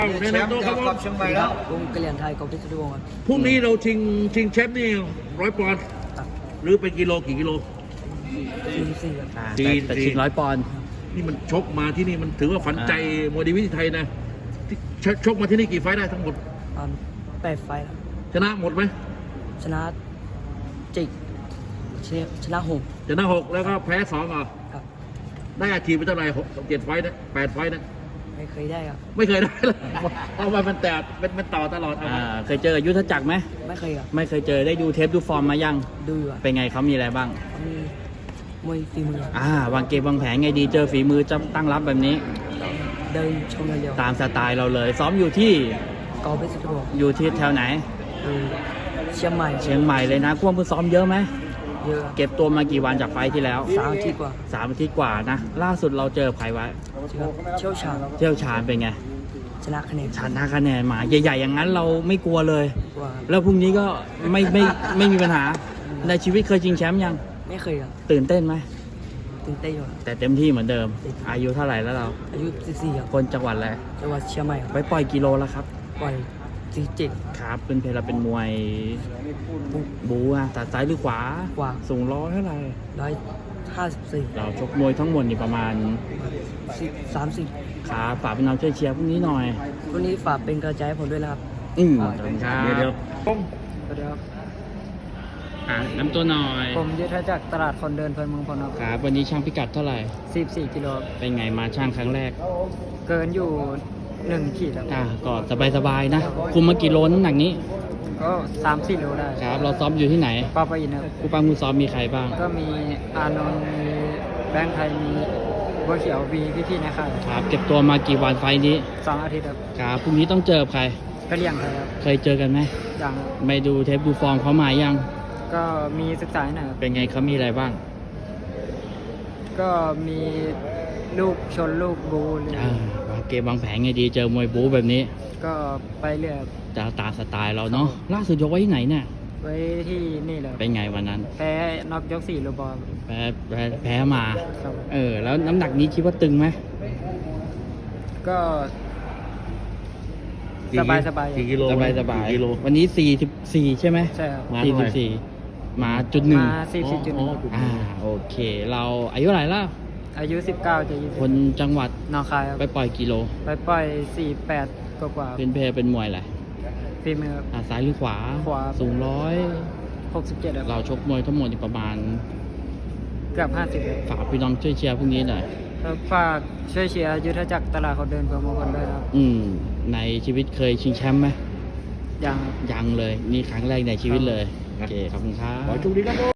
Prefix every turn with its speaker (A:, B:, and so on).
A: แนะนำตัวครับผม
B: เชียงใหม่แล้ว
C: กรุงกะเหรี่ยงไทยกองเพชรวงศ์ครับ
A: พรุ่งนี้เราชิงแชมป์นี่100 ปอนด์
C: ตัก
A: หรือเป็นกิโลกี่กิโล
C: 44ครับ
D: แต่ชิง100 ปอนด์
A: นี่มันชกมาที่นี่มันถือว่าฝันใจมวยดีวิถีไทยนะที่ชกมาที่นี่กี่ไฟต์ได้ทั้งหมด
C: 8 ไฟล์ครับ
A: ชนะหมดไหม
C: ชนะจิกชนะหก
A: ชนะ6แล้วก็แพ้2อ่ะ
C: ครับ
A: ได้อาชีพไปเท่าไหร่7 ไฟต์นะ8 ไฟต์นะ
C: ไม่เคยได้ครับ
A: ไม่เคยได้เลยเพราะว่ามันแต่มันต่อตลอด
D: เคยเจอกับยุทธจักรไหม
C: ไม่เคยครับ
D: ไม่เคยเจอได้ดูเทปดูฟอร์มมายัง
C: ดูอยู่ครับ
D: เป็นไงเขามีอะไรบ้าง
C: เขามีมวยฝีมือครับ
D: วางเกมวางแผนไงดีเจอฝีมือจะตั้งรับแบบนี้
C: เดินชมเร็ว
D: ตามสไตล์เราเลย ซ้อมอยู่ที่
C: ๆกองเพชรวงศ์
D: อยู่ที่แถวไหน
C: ดูเชียงใหม่
D: เชียงใหม่เลยนะควบมือซ้อมเยอะไหม
C: เยอะครับ
D: เก็บตัวมากี่วันจากไฟล์ที่แล้ว
C: 3 อาทิตย์กว่า
D: 3 อาทิตย์กว่านะ ล่าสุดเราเจอใครไว้
C: เชี่ยวชาญ
D: เที่ยวชาญเป็นไง
C: ชนะคะแนน
D: ชนะคะแนนมาใหญ่ๆอย่างนั้นเราไม่กลัวเลย
C: กว่า
D: แล้วพรุ่งนี้ก็ไม่มีปัญหา ในชีวิตเคยชิงแชมป์ยัง
C: ไม่เคยครับ
D: ตื่นเต้นไหม
C: ตื่นเต้นอยู่ครับ
D: แต่เต็มที่เหมือนเดิม อายุเท่าไหร่แล้วเรา
C: อายุ14ครับ
D: คนจังหวัดอะไร
C: จังหวัดเชียงใหม่ครับ
D: ไปปล่อยกิโลแล้วครับ
C: ปล่อย47
D: ครับเป็นเพลเราเป็นมวยบูอะตัดซ้ายหรือขวา
C: ขวา
D: สูงร้อยเท่าไหร่
C: 154
D: เราชกมวยทั้งหมดนี่ประมาณ
C: 30
D: ขาฝากพี่น้องช่วยเชียร์พรุ่งนี้หน่อย
C: วันนี้ฝากเป็นกระจายให้ผมด้วยนะครับ
D: ขอบคุณครับ
A: เดี๋ยว
C: สวัสดีครับ
D: น้ำตัวหน่อย
C: ผมยุทธจักรตลาดคนเดินเพลินเมืองพลครับ
D: ครับวันนี้ช่างพิกัดเท่าไหร่
C: 14 กิโล
D: เป็นไงมาช่างครั้งแรก
C: เกินอยู่1 ขีดครับ
D: ก็สบายๆนะ คุมมากี่โลน้ำหนักนี้
C: ก็ 3-4 โลได้
D: ครับ เราซ้อมอยู่ที่ไหน
C: ปาปะอินครับ
D: ผู้ปั้มผู้ซ้อมมีใครบ้าง
C: ก็มีอานนท์มีแบงค์ไทย มีบัวเขียวมีพี่ๆในค่าย
D: ครับ เก็บตัวมากี่วันไฟล์นี้
C: 2 อาทิตย์ครับ
D: ครับพรุ่งนี้ต้องเจอใคร
C: ก็เลี้ยงไทยครับ
D: เคยเจอกันไหม
C: อย่าง
D: ไม่ดูเทปดูฟอร์มเขามายัง
C: ก็มีศึกษาหน่อยครับ
D: เป็นไงเขามีอะไรบ้าง
C: ก็มีลูกชนลูกบูหรือ
D: วางเกมวางแผนไงดีเจอมวยบู๊แบบนี้
C: ก็ไปเรื่อยครับ
D: จะตามสไตล์เราเนาะล่าสุดยกไว้ที่ไหนเนี่ย
C: ไว้ที่นี่เลยครับ
D: เป็นไงวันนั้น
C: แพ้น็อกยก4โลบอล
D: แพ้มา
C: ครับ
D: แล้วน้ำหนักนี้คิดว่าตึงไหม
C: ก็สบายๆ
A: กี่กิโล
D: สบาย
A: กี่กิโล
D: วันนี้44ใช่ไหม
C: ใช่ครับ
A: มาเท่าไหร่
D: 44มาจุดหนึ่ง
C: มา40.1
D: โอเค เราอายุเท่าไหร่แล้ว
C: อายุ19จะ
D: คนจังหวัด
C: 20นองคายครับ
D: ไปปล่อยกิโล
C: ไปปล่อย48กว่า
D: เป็นเพลเป็นมวยอะไร
C: ๆฝีมือ
D: ซ้ายหรือขวา
C: ขวา
D: สูงร้อย
C: 67ครับ
D: เราชกมวยทั้งหมดนี่ประมาณ
C: เกือบ50ครับ
D: ฝากพี่น้องช่วยเชียร์พรุ่งนี้หน่อย
C: แล้วฝากช่วยเชียร์ยุทธจักรตลาดคนเดินเพื่อมงคลด้วยนะครับ
D: ในชีวิตเคยชิงแชมป์ไหม
C: ยัง
D: ยังเลย นี่ครั้งแรกในชีวิตเลย โอเค ขอบคุณครับ
A: ขอโชคดีครับ